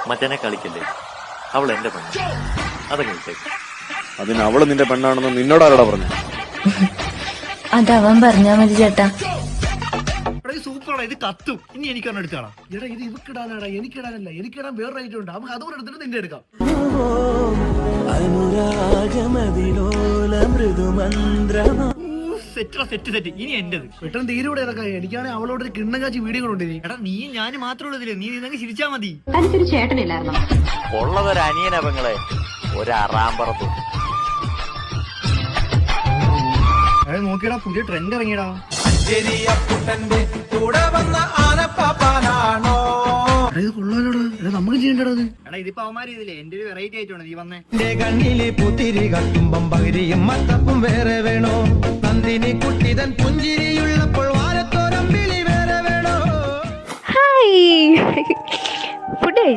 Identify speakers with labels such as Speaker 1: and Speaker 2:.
Speaker 1: മറ്റനെ കളിക്കല്ലേ, അവൾ എന്റെ പെണ്ണ്, അതങ്ങ് വിട്ടേക്ക്.
Speaker 2: അതിന് അവള് നിന്റെ പെണ്ണാണെന്ന് നിന്നോടാരോടാ പറഞ്ഞു?
Speaker 3: അതവൻ പറഞ്ഞാ മതി ചേട്ടാ.
Speaker 4: സൂപ്പറാണ്, ഇത് കത്തും. ഇനി എനിക്കൊരെണ്ണം എടുത്താടാ. എടാ ഇത് ഇവക്കിടാനാടാ, എനിക്കിടാനല്ല. എനിക്കിടാൻ വേറെ ഐറ്റം ഉണ്ട്, നമുക്ക് അതുകൂടെ എടുത്തിട്ട് നിന്റെ എടുക്കാം. സെറ്റ് ഇനി എന്റേത്. പെട്ടെന്ന് തീരൂടെ ഇതൊക്കെ. എനിക്കാണെങ്കിൽ അവളോട് ഒരു കിണ്ണം കാച്ചി വീഡിയോ കൊണ്ടിരി. എടാ നീ ഞാൻ മാത്രമേ ഉള്ളതില്ലേ, നീ നിന്നങ്ങ് ചിരിച്ചാ മതി.
Speaker 5: തനിക്കൊരു ചേട്ടനില്ലായിരുന്നോ?
Speaker 1: ഉള്ളതൊരു അനിയനവങ്ങളെ, ഒരാറാമ്പറത്തും.
Speaker 4: നോക്കിയടാ, പുതിയ ട്രെൻഡ് ഇറങ്ങിയടാ. ഇത് കൊള്ളാലോടാ, നമുക്ക് ചെയ്യണ്ടടാ ഇത്. എടാ ഇതിപ്പോ അവന്മാര് ഇതില്ലേ, എന്റെ ഒരു വെറൈറ്റി ആയിട്ടാണ് നീ വന്നേ.
Speaker 6: കണ്ണിലെ പുത്തിരി കത്തുമ്പം പകിരിയും മത്തപ്പും വേറെ വേണോ? നന്ദിനി കുട്ടിതൻ പുഞ്ചിരിയുള്ളപ്പോൾ വാരത്തോരം വിളി വേറെ വേണോ?
Speaker 3: Hi food